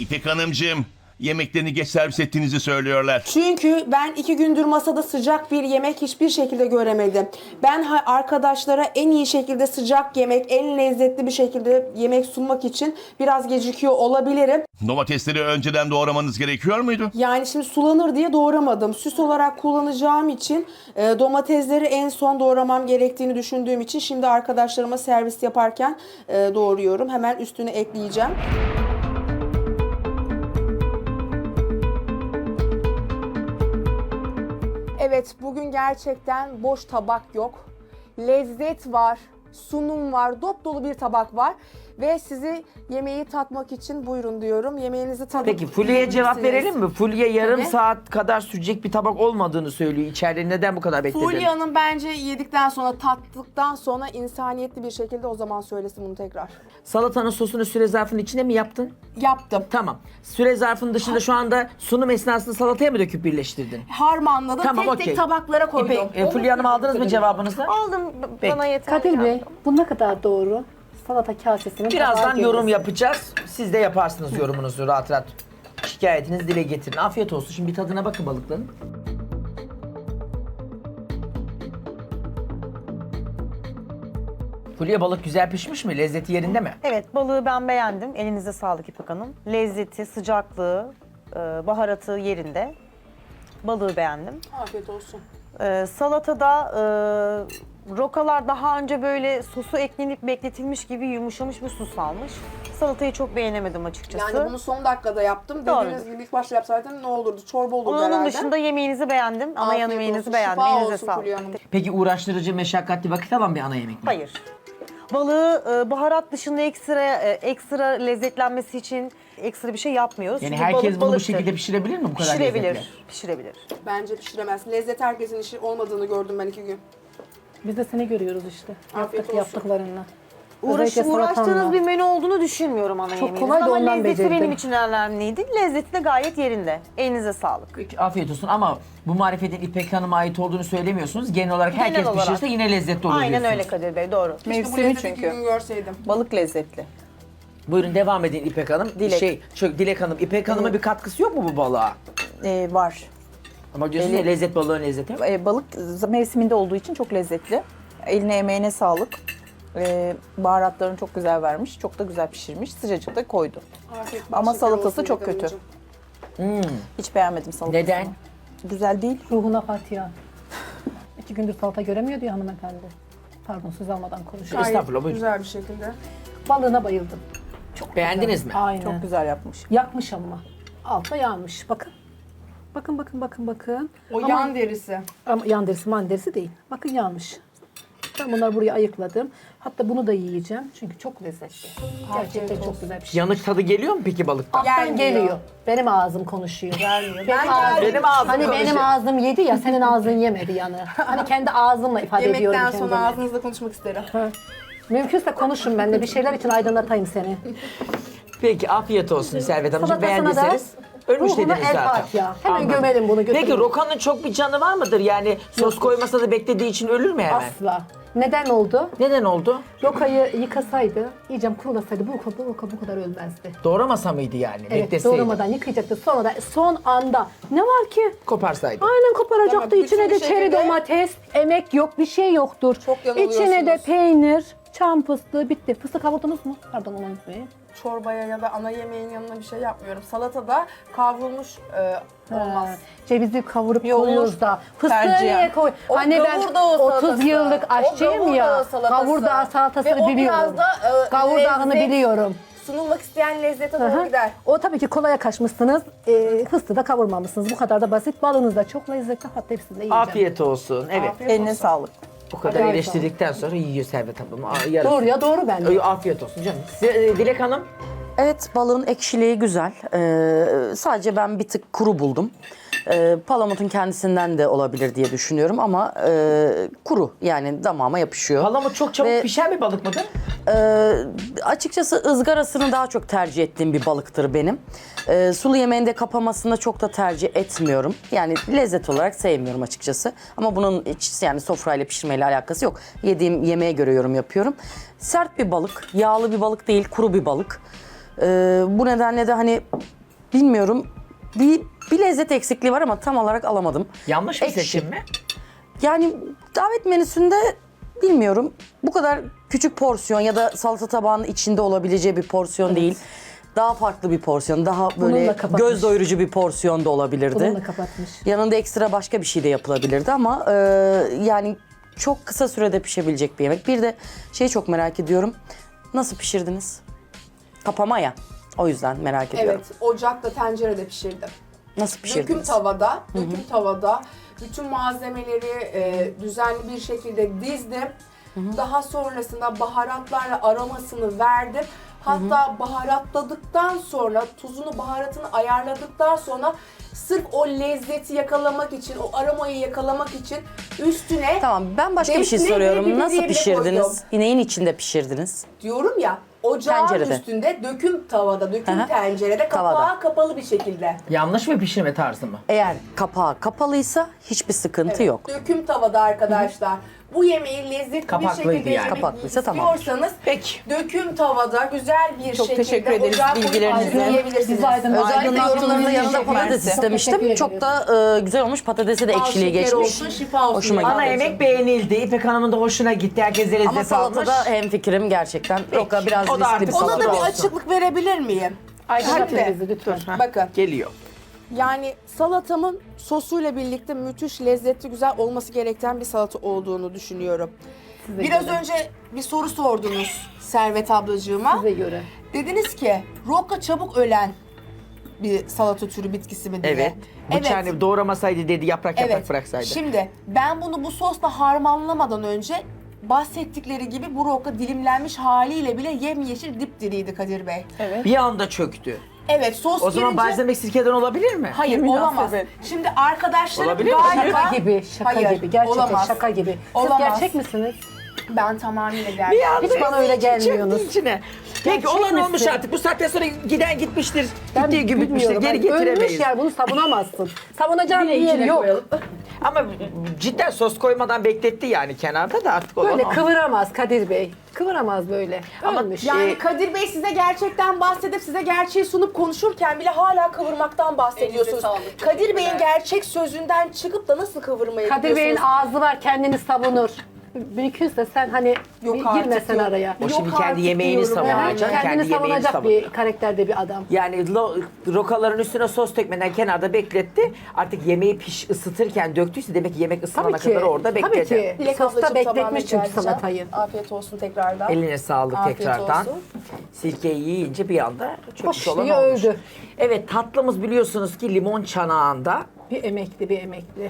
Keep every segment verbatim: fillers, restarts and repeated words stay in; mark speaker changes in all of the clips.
Speaker 1: İpek Hanımcığım, yemeklerini geç servis ettiğinizi söylüyorlar.
Speaker 2: Çünkü ben iki gündür masada sıcak bir yemek hiçbir şekilde göremedim. Ben ha- arkadaşlara en iyi şekilde sıcak yemek, en lezzetli bir şekilde yemek sunmak için biraz gecikiyor olabilirim.
Speaker 1: Domatesleri önceden doğramanız gerekiyor muydu?
Speaker 2: Yani şimdi sulanır diye doğramadım. Süs olarak kullanacağım için e, domatesleri en son doğramam gerektiğini düşündüğüm için şimdi arkadaşlarıma servis yaparken e, doğruyorum. Hemen üstüne ekleyeceğim. Evet, bugün gerçekten boş tabak yok. Lezzet var, sunum var, dop dolu bir tabak var. Ve sizi yemeği tatmak için buyurun diyorum. Yemeğinizi tadın.
Speaker 3: Peki Fulya'ya cevap
Speaker 2: Bilirsiniz.
Speaker 3: verelim mi? Fulya yarım
Speaker 2: Tabii.
Speaker 3: saat kadar sürecek bir tabak olmadığını söylüyor. İçeride neden bu kadar bekledin?
Speaker 2: Fulya'nın bence yedikten sonra, tattıktan sonra insaniyetli bir şekilde o zaman söylesin bunu tekrar.
Speaker 3: Salatanın sosunu süre zarfının içine mi yaptın?
Speaker 2: Yaptım.
Speaker 3: Tamam. Süre zarfının dışında şu anda sunum esnasında salataya mı döküp birleştirdin?
Speaker 2: Harmanladım,
Speaker 3: Tamam,
Speaker 2: tek
Speaker 3: okey.
Speaker 2: tek tabaklara koydum.
Speaker 3: İpek, e, Fulya Hanım aldınız mı cevabınızı?
Speaker 4: Aldım,
Speaker 3: Peki.
Speaker 4: bana yeter.
Speaker 5: Kadir Bey,
Speaker 4: yani.
Speaker 5: bu ne kadar doğru? Salata kasesinin
Speaker 3: Birazdan
Speaker 5: tabağa
Speaker 3: yorum
Speaker 5: girmesi.
Speaker 3: yapacağız. Siz de yaparsınız yorumunuzu rahat rahat. Şikayetinizi dile getirin. Afiyet olsun. Şimdi bir tadına bakın balıkların. Fulya, balık güzel pişmiş mi? Lezzeti yerinde mi?
Speaker 4: Evet, balığı ben beğendim. Elinize sağlık İpek Hanım. Lezzeti, sıcaklığı, e, baharatı yerinde. Balığı beğendim.
Speaker 2: Afiyet olsun.
Speaker 4: E, salatada e, rokalar daha önce böyle sosu eklenip bekletilmiş gibi yumuşamış bir sos almış. Salatayı çok beğenemedim açıkçası.
Speaker 2: Yani bunu son dakikada yaptım.
Speaker 4: Doğrudur.
Speaker 2: Dediğiniz gibi ilk başta yapsaydım ne olurdu? Çorba olurdu
Speaker 4: Onun
Speaker 2: herhalde.
Speaker 4: dışında yemeğinizi beğendim. Ana
Speaker 2: Afiyet
Speaker 4: yemeğinizi
Speaker 2: olsun,
Speaker 4: beğendim.
Speaker 2: şifa
Speaker 4: Elinize
Speaker 2: olsun
Speaker 4: sağlık.
Speaker 2: Fulya Hanım.
Speaker 3: Peki uğraştırıcı, meşakkatli, vakit alan bir ana yemek mi?
Speaker 4: Hayır. Balığı e, baharat dışında ekstra e, ekstra lezzetlenmesi için ekstra bir şey yapmıyoruz.
Speaker 3: Yani
Speaker 4: Çünkü
Speaker 3: herkes
Speaker 4: balık
Speaker 3: bunu bu
Speaker 4: balıktır.
Speaker 3: şekilde pişirebilir mi bu kadar
Speaker 4: Pişirebilir,
Speaker 3: lezzetle?
Speaker 4: pişirebilir.
Speaker 2: Bence pişiremez. Lezzet herkesin işi olmadığını gördüm ben iki gün.
Speaker 5: Biz de seni görüyoruz işte.
Speaker 2: Afiyet
Speaker 5: Yaptık,
Speaker 2: olsun.
Speaker 5: yaptıklarınla.
Speaker 4: Uğraş,
Speaker 5: Özellikle
Speaker 4: uğraştığınız
Speaker 5: salatanla.
Speaker 4: bir menü olduğunu düşünmüyorum ana
Speaker 5: Çok
Speaker 4: yemeğinizin
Speaker 5: kolay da
Speaker 4: ama
Speaker 5: ondan
Speaker 4: lezzeti
Speaker 5: becerdim.
Speaker 4: benim için önemliydi. Lezzeti de gayet yerinde. Elinize sağlık.
Speaker 3: Peki, afiyet olsun ama bu marifetin İpek Hanım'a ait olduğunu söylemiyorsunuz. Genel olarak
Speaker 4: Genel
Speaker 3: herkes
Speaker 4: olarak.
Speaker 3: pişirse yine lezzetli olur
Speaker 4: Aynen
Speaker 3: diyorsunuz.
Speaker 4: öyle Kadir Bey, doğru.
Speaker 2: Keşke bu
Speaker 6: Mevsimi
Speaker 2: lezzeti iki
Speaker 6: çünkü.
Speaker 2: gün görseydim.
Speaker 6: Balık lezzetli.
Speaker 3: Buyurun devam edin İpek Hanım.
Speaker 4: Dilek.
Speaker 3: Şey, çok Dilek Hanım, İpek Hanım'a bir katkısı yok mu bu balığa?
Speaker 6: Ee, var.
Speaker 3: Ama diyorsunuz ya, lezzet balığın lezzeti.
Speaker 6: Ee, balık mevsiminde olduğu için çok lezzetli. Eline emeğine sağlık. Ee, baharatlarını çok güzel vermiş. Çok da güzel pişirmiş. Sıcacık da koydu.
Speaker 2: Afiyet
Speaker 6: Ama
Speaker 2: şeker
Speaker 6: salatası
Speaker 2: olsun
Speaker 6: çok
Speaker 2: Dilek
Speaker 6: kötü.
Speaker 2: Hanımcığım.
Speaker 6: Hiç beğenmedim salatasını.
Speaker 3: Neden?
Speaker 6: Güzel değil.
Speaker 5: Ruhuna Fatiha. İki gündür salata göremiyor diyor hanımefendi. Pardon, söz almadan konuşuyor.
Speaker 2: Gayet
Speaker 3: Estağfurullah, buyurun.
Speaker 2: güzel bir şekilde.
Speaker 5: Balığına bayıldım. Çok
Speaker 3: Beğendiniz
Speaker 5: güzel.
Speaker 3: mi?
Speaker 5: Aynen.
Speaker 6: Çok güzel yapmış.
Speaker 5: Yakmış ama. Altta yanmış. Bakın. Bakın, bakın, bakın, bakın.
Speaker 2: O
Speaker 5: Ama-
Speaker 2: yan derisi.
Speaker 5: Ama yan derisi man derisi değil. Bakın yanmış. Ben bunları buraya ayıkladım. Hatta bunu da yiyeceğim. Çünkü çok lezzetli. Gerçekten çok güzel bir şey.
Speaker 3: Yanık tadı geliyor mu peki balıktan?
Speaker 5: Alttan
Speaker 2: Gelmiyor.
Speaker 5: geliyor. Benim ağzım konuşuyor. Gelmiyor. Benim
Speaker 2: Ben
Speaker 5: ağzım,
Speaker 3: Benim ağzım
Speaker 5: hani
Speaker 3: konuşuyor.
Speaker 5: benim ağzım yedi ya, senin ağzın yemedi yanı. Hani kendi ağzımla ifade ediyorum
Speaker 2: Yemekten
Speaker 5: kendimi.
Speaker 2: sonra ağzınızla konuşmak isterim.
Speaker 5: Mümkünse konuşun benimle. Bir şeyler için aydınlatayım seni.
Speaker 3: Peki afiyet olsun Servet Hanımcığım.
Speaker 5: Salatasına da
Speaker 3: Beğendiyseniz ölmüş
Speaker 5: ruhuna
Speaker 3: dediniz
Speaker 5: el
Speaker 3: zaten.
Speaker 5: Fatiha. Hemen
Speaker 3: Anladım.
Speaker 5: gömelim bunu, götürelim.
Speaker 3: Peki rokanın çok bir canı var mıdır? Yani sos koymasa da beklediği için ölür mü hemen?
Speaker 5: Asla. Neden oldu?
Speaker 3: Neden oldu?
Speaker 5: Rokayı yıkasaydı, iyice kurulasaydı bu roka, bu roka bu kadar ölmezdi.
Speaker 3: Doğramasa mıydı yani?
Speaker 5: Evet,
Speaker 3: Bekleseydi.
Speaker 5: doğramadan yıkayacaktı. Sonra da son anda ne var ki?
Speaker 3: Koparsaydı.
Speaker 5: Aynen koparacaktı.
Speaker 2: Tamam,
Speaker 5: İçine de
Speaker 2: bütün bir
Speaker 5: çeri
Speaker 2: şekilde-
Speaker 5: domates, emek yok, bir şey yoktur.
Speaker 2: Çok yanılıyorsunuz.
Speaker 5: İçine de peynir, çam fıstığı, bitti. Fıstık kavurdunuz mu? Pardon, onu unutmayın.
Speaker 2: Çorbaya ya da ana yemeğin yanına bir şey yapmıyorum. Salatada kavrulmuş e, olmaz.
Speaker 5: Ha, cevizi kavurup
Speaker 6: Yok,
Speaker 5: koyuyoruz da. Fıstığı
Speaker 6: Tercihen.
Speaker 5: niye koy?
Speaker 2: O
Speaker 5: Hani ben
Speaker 2: gavurdağ
Speaker 5: otuz
Speaker 2: salatası.
Speaker 5: yıllık aşçıyım
Speaker 2: O
Speaker 5: ya.
Speaker 2: gavurdağ salatası.
Speaker 5: Gavurdağ salatasını
Speaker 2: Ve o
Speaker 5: biliyorum.
Speaker 2: biraz da, e,
Speaker 5: Gavurdağını
Speaker 2: lezzet-
Speaker 5: biliyorum.
Speaker 2: Sunulmak isteyen lezzete
Speaker 5: Hı
Speaker 2: doğru
Speaker 5: hı.
Speaker 2: gider.
Speaker 5: O tabii ki kolaya kaçmışsınız. E, fıstığı da kavurmamışsınız. Bu kadar da basit. Balınız da çok lezzetli. Hatta hepsini de yiyeceğim.
Speaker 3: Afiyet olsun. Evet.
Speaker 2: Afiyet
Speaker 6: Eline
Speaker 2: olsun.
Speaker 6: sağlık.
Speaker 3: O kadar
Speaker 5: Afiyet
Speaker 3: eleştirdikten sonra yiyor Servet Hanım. Aa, yarısı.
Speaker 5: Doğru ya, doğru bence.
Speaker 3: Ay, afiyet olsun canım. Size, e, Dilek Hanım.
Speaker 7: Evet, balığın ekşiliği güzel. Ee, sadece ben bir tık kuru buldum. Ee, palamutun kendisinden de olabilir diye düşünüyorum ama e, kuru, yani damağıma yapışıyor.
Speaker 3: Palamut çok çabuk
Speaker 7: Ve-
Speaker 3: pişen bir balık mıdır?
Speaker 7: Ee, açıkçası ızgarasını daha çok tercih ettiğim bir balıktır benim. Ee, sulu yemeğinde kapamasını çok da tercih etmiyorum. Yani lezzet olarak sevmiyorum açıkçası. Ama bunun hiç yani sofrayla pişirmeyle alakası yok. Yediğim yemeğe göre yorum yapıyorum. Sert bir balık, yağlı bir balık değil, kuru bir balık. Ee, bu nedenle de hani bilmiyorum bir, bir lezzet eksikliği var ama tam olarak alamadım.
Speaker 3: Yanlış bir
Speaker 7: Ekşi.
Speaker 3: seçim mi?
Speaker 7: Yani davet menüsünde bilmiyorum bu kadar küçük porsiyon ya da salata tabağının içinde olabileceği bir porsiyon değil. Daha farklı bir porsiyon, daha böyle
Speaker 5: Bununla kapatmış.
Speaker 7: göz doyurucu bir porsiyon da olabilirdi.
Speaker 5: Bununla kapatmış.
Speaker 7: Yanında ekstra başka bir şey de yapılabilirdi ama e, yani çok kısa sürede pişebilecek bir yemek. Bir de şeyi çok merak ediyorum. Nasıl pişirdiniz? Kapama ya. O yüzden merak ediyorum.
Speaker 2: Evet, ocakta, tencerede pişirdim.
Speaker 7: Nasıl
Speaker 2: Döküm
Speaker 7: pişirdiniz?
Speaker 2: tavada, döküm tavada bütün malzemeleri e, düzenli bir şekilde dizdim. Daha sonrasında baharatlarla aromasını verdim. Hatta baharatladıktan sonra, tuzunu, baharatını ayarladıktan sonra sırf o lezzeti yakalamak için, o aromayı yakalamak için üstüne
Speaker 7: Tamam, ben başka bir şey
Speaker 2: defne ve
Speaker 7: soruyorum.
Speaker 2: biberiye
Speaker 7: Nasıl
Speaker 2: bile
Speaker 7: pişirdiniz?
Speaker 2: koydum.
Speaker 7: Neyin içinde pişirdiniz?
Speaker 2: Diyorum ya, ocağın
Speaker 7: Tencerede.
Speaker 2: üstünde, döküm tavada, döküm
Speaker 7: Aha.
Speaker 2: tencerede, kapağı
Speaker 7: Tavada.
Speaker 2: kapalı bir şekilde.
Speaker 3: Yanlış mı pişirme tarzı mı?
Speaker 7: Eğer kapağı kapalıysa hiçbir sıkıntı yok.
Speaker 2: Döküm tavada arkadaşlar. Bu yemeği lezzetli
Speaker 3: Kapaklıydı
Speaker 2: bir şekilde
Speaker 3: yani.
Speaker 2: yemek
Speaker 7: Kapaklıysa tamam.
Speaker 2: istiyorsanız
Speaker 3: Peki.
Speaker 2: döküm tavada güzel bir
Speaker 6: Çok
Speaker 2: şekilde
Speaker 6: teşekkür ederiz
Speaker 2: ocağa koyup
Speaker 6: bilgilerinize.
Speaker 2: hazırlayabilirsiniz.
Speaker 5: Bizi aydınlattınız.
Speaker 7: Özellikle
Speaker 5: Aydınlattığınız
Speaker 7: yorumlarınızda
Speaker 5: için
Speaker 7: yanında
Speaker 5: teşekkür
Speaker 7: patates
Speaker 5: ederim. Çok
Speaker 7: istemiştim.
Speaker 5: teşekkür
Speaker 7: Çok
Speaker 5: ederim.
Speaker 7: da e, güzel olmuş. Patatesi de
Speaker 2: Bal
Speaker 7: ekşiliği
Speaker 2: şeker
Speaker 7: geçmiş.
Speaker 2: olsun, şifa olsun.
Speaker 7: Hoşuma
Speaker 2: yani.
Speaker 7: gitti.
Speaker 3: Ana yemek beğenildi. İpek Hanım'ın da hoşuna gitti. Herkese lezzet
Speaker 7: Ama
Speaker 3: almış.
Speaker 7: salatada hemfikirim gerçekten. Roka biraz
Speaker 3: O da
Speaker 7: riskli
Speaker 3: artık
Speaker 7: bir
Speaker 2: Ona
Speaker 7: salata.
Speaker 2: da bir
Speaker 3: olsun.
Speaker 2: açıklık verebilir miyim?
Speaker 5: Aydınlatın
Speaker 2: Hadi.
Speaker 5: bizi lütfen.
Speaker 2: Bakın.
Speaker 3: Geliyor.
Speaker 2: Yani salatamın sosuyla birlikte müthiş lezzetli, güzel olması gereken bir salata olduğunu düşünüyorum.
Speaker 5: Size
Speaker 2: Biraz
Speaker 5: göre.
Speaker 2: önce bir soru sordunuz Servet ablacığıma.
Speaker 5: Size göre.
Speaker 2: Dediniz ki roka çabuk ölen bir salata türü bitkisi mi diye.
Speaker 3: Evet. Bıçağını doğramasaydı dedi, yaprak yaprak
Speaker 2: Evet.
Speaker 3: bıraksaydı.
Speaker 2: Şimdi ben bunu bu sosla harmanlamadan önce bahsettikleri gibi bu roka dilimlenmiş haliyle bile yemyeşil dipdiriydi Kadir Bey.
Speaker 3: Bir anda çöktü.
Speaker 2: Evet, sos
Speaker 3: O zaman
Speaker 2: girince...
Speaker 3: balzamik sirkeden olabilir mi?
Speaker 2: Hayır, olamaz. Şimdi arkadaşlarım
Speaker 3: Olabilir mi?
Speaker 2: galiba...
Speaker 5: Şaka gibi, şaka
Speaker 2: Hayır,
Speaker 5: gibi. Gerçekten
Speaker 2: olamaz.
Speaker 5: şaka gibi.
Speaker 2: Olamaz.
Speaker 5: Siz gerçek misiniz?
Speaker 2: Ben tamamıyla
Speaker 3: Bir
Speaker 2: gerçekten.
Speaker 3: anda
Speaker 5: Hiç bana öyle
Speaker 3: içi çöktü
Speaker 5: gelmiyorsunuz.
Speaker 3: içine. Peki
Speaker 5: Gerçek
Speaker 3: olan olmuş
Speaker 5: misin?
Speaker 3: artık. Bu saatten sonra giden gitmiştir.
Speaker 5: Ben
Speaker 3: Gittiği gibi bitmiştir.
Speaker 5: bilmiyorum.
Speaker 3: Geri
Speaker 5: Yani ölmüş
Speaker 3: getiremeyiz.
Speaker 5: yer, bunu savunamazsın. Savunacağın bir yeri yok.
Speaker 3: Ama cidden sos koymadan bekletti yani kenarda da artık olan
Speaker 5: Böyle
Speaker 3: o.
Speaker 5: kıvıramaz Kadir Bey. Kıvıramaz böyle.
Speaker 3: Ama
Speaker 5: Ölmüş.
Speaker 2: Yani
Speaker 3: Ee,
Speaker 2: Kadir Bey size gerçekten bahsedip size gerçeği sunup konuşurken bile hala kıvırmaktan bahsediyorsunuz. Kadir Bey'in gerçek sözünden çıkıp da nasıl kıvırmayı
Speaker 5: Kadir Bey'in
Speaker 2: yapıyorsunuz?
Speaker 5: ağzı var, kendini savunur. Mümkünse sen hani
Speaker 2: Yok
Speaker 5: bir
Speaker 2: artık,
Speaker 5: girmesen
Speaker 2: yok.
Speaker 5: araya.
Speaker 3: O şimdi
Speaker 2: Yok
Speaker 3: kendi
Speaker 2: artık
Speaker 3: yemeğini
Speaker 2: diyorum
Speaker 3: savunacak.
Speaker 2: yani.
Speaker 5: Kendini
Speaker 3: Kendi yemeğini
Speaker 5: savunacak
Speaker 3: savunuyor.
Speaker 5: bir karakterde bir adam.
Speaker 3: Yani lo- rokaların üstüne sos dökmeden kenarda bekletti. Artık yemeği piş ısıtırken döktüyse demek ki yemek ısınana
Speaker 5: Tabii ki.
Speaker 3: kadar orada
Speaker 5: Tabii
Speaker 3: bekledi.
Speaker 5: ki.
Speaker 2: Dilek
Speaker 5: Sosta
Speaker 2: ablacığım
Speaker 5: bekletmiş
Speaker 2: tamamen
Speaker 5: çünkü
Speaker 2: geleceğim.
Speaker 5: salatayı.
Speaker 2: Afiyet olsun tekrardan.
Speaker 3: Eline sağlık
Speaker 2: Afiyet
Speaker 3: tekrardan.
Speaker 2: olsun.
Speaker 3: Sirkeyi yiyince bir anda çöküş olan
Speaker 5: diye
Speaker 3: olmuş.
Speaker 5: öldü.
Speaker 3: Evet, tatlımız biliyorsunuz ki limon çanağında
Speaker 5: Bir emekli, bir emekli.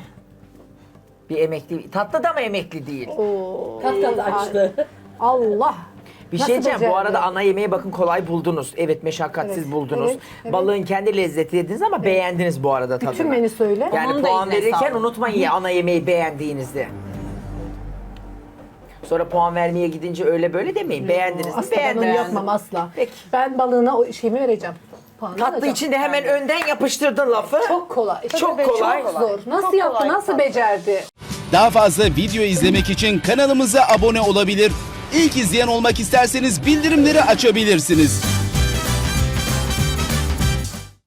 Speaker 3: bir emekli. Tatlı da mı emekli değil?
Speaker 5: Tatlı açtı. Allah.
Speaker 3: Bir
Speaker 5: Nasıl
Speaker 3: şey diyeceğim, bu
Speaker 5: becerdi?
Speaker 3: arada ana yemeği bakın kolay buldunuz. Evet, meşakkatsiz
Speaker 5: Evet,
Speaker 3: buldunuz.
Speaker 5: evet, evet.
Speaker 3: Balığın kendi lezzeti dediniz ama beğendiniz bu arada tadını.
Speaker 5: Bütün menü söyle.
Speaker 3: Yani
Speaker 6: Onun da
Speaker 3: puan
Speaker 6: eline
Speaker 3: verirken
Speaker 6: sağlık.
Speaker 3: unutmayın ya ana yemeği beğendiğinizi. Sonra puan vermeye gidince öyle böyle demeyin. Beğendiniz mi?
Speaker 5: Asla ben onu
Speaker 3: Beğendiniz.
Speaker 5: yapmam asla.
Speaker 3: Peki.
Speaker 5: Ben balığına o şeyimi vereceğim. Puanı
Speaker 3: Tatlı
Speaker 5: alacağım.
Speaker 3: için de hemen önden yapıştırdın lafı.
Speaker 5: Çok kolay.
Speaker 3: Çok
Speaker 5: Tabii,
Speaker 3: kolay.
Speaker 5: Çok zor. Nasıl yaptı, nasıl becerdi?
Speaker 8: Daha fazla video izlemek için kanalımıza abone olabilir. İlk izleyen olmak isterseniz bildirimleri açabilirsiniz.